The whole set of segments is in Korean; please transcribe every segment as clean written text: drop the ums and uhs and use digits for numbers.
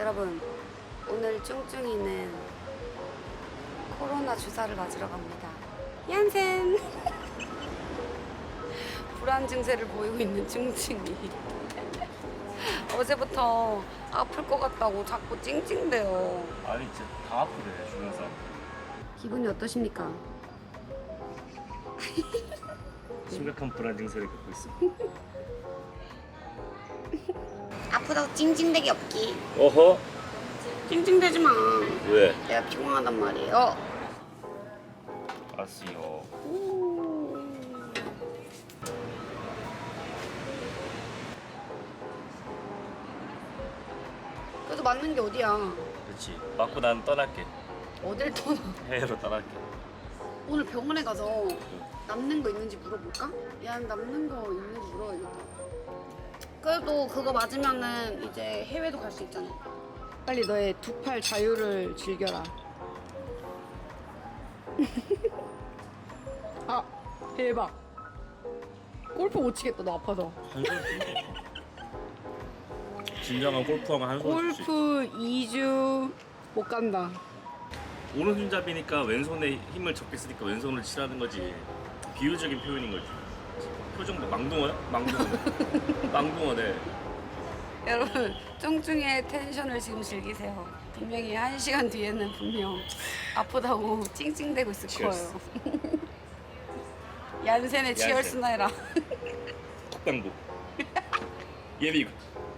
여러분, 오늘 쭝쭝이는 코로나 주사를 맞으러 갑니다. 얀센! 불안 증세를 보이고 있는 쭝쭝이. 어제부터 아플 것 같다고 자꾸 찡찡대요. 아니 진짜 다 아프대 주변 사람. 기분이 어떠십니까? 심각한 불안 증세를 겪고 있어. 아프다고 찡찡대기 없기. 어허? 찡찡대지 마. 왜? 내가 피곤하단 말이에요. 알았어요. 그래도 맞는 게 어디야? 그렇지. 맞고 난 떠날게. 어딜 떠나? 해외로 떠날게. 오늘 병원에 가서 남는 거 있는지 물어볼까? 야, 남는 거 있는지 물어야겠다. 그래도 그거 맞으면은 이제 해외도 갈 수 있잖아. 빨리 너의 두 팔 자유를 즐겨라. 아, 대박. 골프 못 치겠다, 너 아파서. 진정한 골프왕은 한 손을 줄수 있어. 골프 2주 못 간다. 오른손잡이니까 왼손에 힘을 적게 쓰니까 왼손을 치라는 거지. 비유적인 표현인 거지. 표정 뭐 망둥어야? 망둥어네. 망둥어네. 여러분, 쫑쫑이의 텐션을 지금 즐기세요. 분명히 1시간 뒤에는 분명 아프다고 찡찡대고 있을 치얼스. 거예요. 얀센의 치얼스나 해라. 턱당도. 예비군.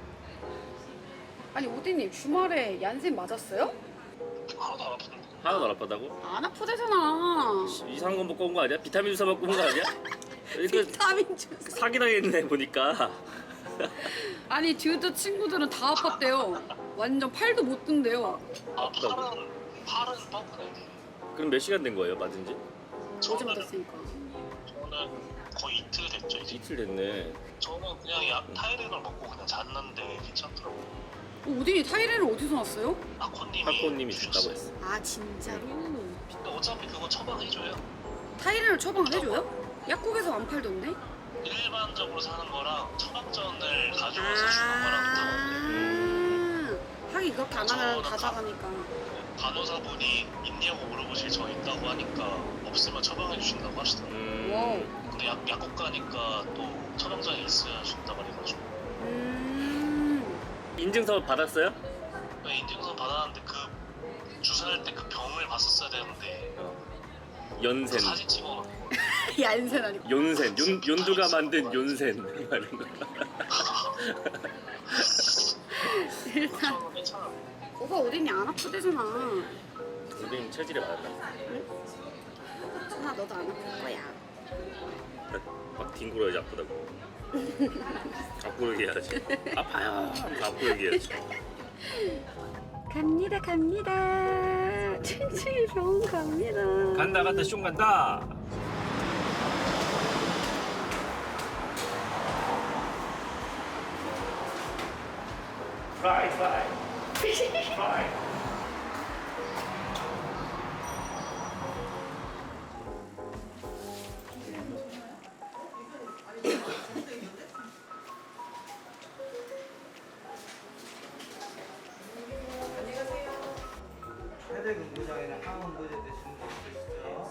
아니 오디님 주말에 얀센 맞았어요? 하나도 안 아픈데. 하나도 안 아프다고? 안 아프대잖아. 이상한 거 먹고 온 거 아니야? 비타민 주사 먹고 온 거 아니야? 이거 비타민 주사. 사기당했네 보니까. 아니 듀드 친구들은 다 아팠대요. 완전 팔도 못 든대요. 아 팔은 뻐근해. 그럼 몇 시간 된 거예요, 맞은 지? 어제 맞았으니까. 저는 거의 이틀 됐죠 이제. 이틀 됐네. 저는 그냥 약 타이레놀 먹고 그냥 잤는데 괜찮더라고. 오디님 타이레를 어디서 났어요? 학고님이 준다고 했어. 아 진짜로? 근데 어차피 그거 처방해줘요. 타이레를 처방을 해줘요? 약국에서 안 팔던데? 일반적으로 사는 거랑 처방전을 가져와서 주는 거랑 다른데 하긴 그렇게 안 하면 다 사가니까. 간호사분이 있냐고 물어보실 저 있다고 하니까 없으면 처방해 주신다고 하시더라고요. 와우. 근데 약국 가니까 또 처방전이 있어야 준다고 해가지고 인증서 받았어요? 인증서 받았는데 그 주사할 때 그 병을 봤었어야 되는데 연센. 사진 찍어놓고 얀센 아니고. 연센. 윤두가 만든 연센. 이런 거. 일단 저는 괜찮아. 오빠 오디님 안 아프대잖아. 우린 체질에 맞았다. 천아 너도 안 아플 거야. 막 뒹굴어야지 아프다고. 앞으로 얘기해야지. 아파요. 앞으로 얘기해야지. 갑니다 갑니다. 칭칭이 병원 갑니다. 간다 숑 간다. 프라이. 해외 근무장에는 항원 보제 되시는 분 계시죠?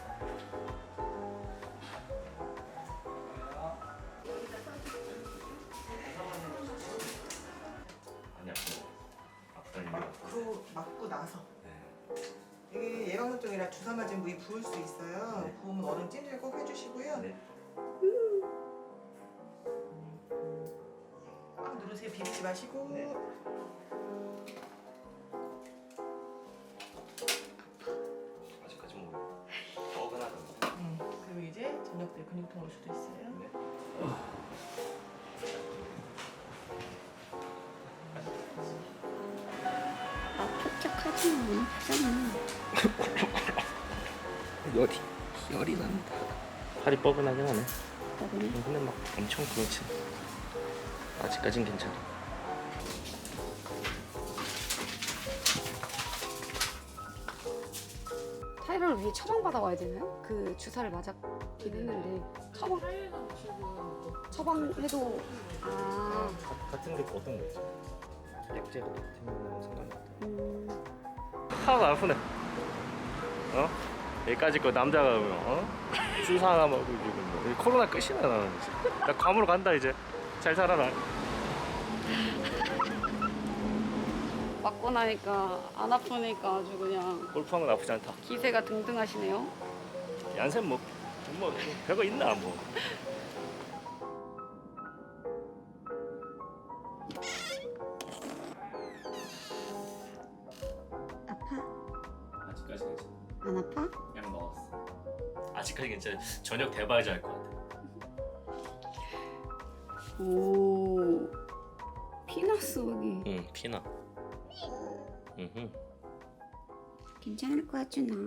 아니야. 아프다는 게. 그 맞고 나서 이게 예방접종이라 주사 맞은 부위 부을 수 있어요. 네. 부으면 얼음 찜질 꼭 해주시고요. 네. 꽉 누르세요. 비비지 마시고. 네. 아직까지 뭐 뻐근하던데. 그리고 이제 저녁 때 근육통 올 수도 있어요. 네. 아 촉촉하지 마. 아프잖아. 열이 납니다. 팔이 뻐근하긴 하네. 뻐근해? 근데 막 엄청 그렇지. 아직까진 괜찮아. 타이레놀 위에 처방 받아와야 되나요? 그 주사를 맞았긴 했는데 처방해도 아 같은 게 어떤 거 있지? 약재 같은 거 상관이 없다. 하나도 안 아프네. 어? 여기까지 거 남자가 주사 하나 먹고 지금 뭐 코로나 끝이네 나는. 나 괌으로 간다 이제. 잘 살아라. 맞고 나니까 안 아프니까 아주 그냥 골프하는 건 나쁘지 않다. 기세가 등등하시네요. 얀센 뭐 별거 있나 뭐. 아파? 아직까지 괜찮아. 안 아파? 약 먹었어. 아직까지 괜찮아. 저녁 대바이저 할 것 같아. 오 피너스 여기 응, 피나. 응. 괜찮을 것 같지 나.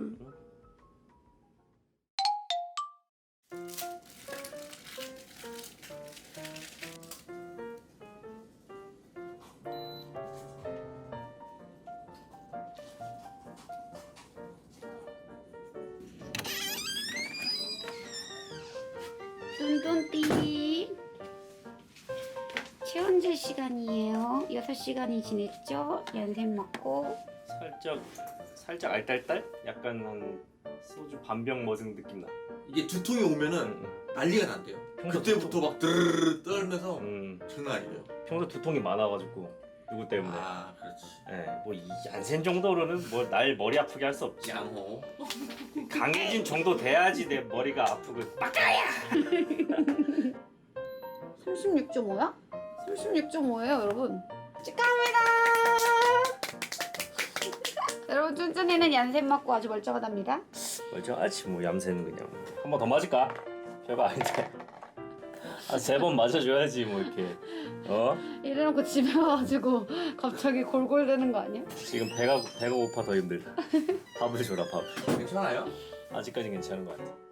뚠뚠띠 체온제 시간이에요. 6시간이 지냈죠? 연샘 맞고 살짝 알딸딸? 약간 한 소주 반병 먹은 느낌 나. 이게 두통이 오면은 난리가 난대요. 평소 그때부터 막 드르르 떨면서 음, 장난 아니에요. 평소 두통이 많아가지고 누구 때문에. 아, 그렇지. 예, 뭐이 얀센 정도로는 뭐 날 머리 아프게 할 수 없지. 양호. 강해진 정도 돼야지 내 머리가 아프고 빡가야. 36.5야? 36.5예요 여러분. 축하합니다. 여러분 쫀쫀이는 얀샘 맞고 아주 멀쩡하답니다. 멀쩡하지 뭐 얌새는 그냥. 한 번 더 맞을까? 별거 아닌데. 아, 3번 맞아줘야지 뭐 이렇게. 이래놓고 집에 와가지고 갑자기 골골대는 거 아니야? 지금 배가 고파 더 힘들다. 밥을 줘라 밥. 괜찮아요? 아직까지 괜찮은 것 같아.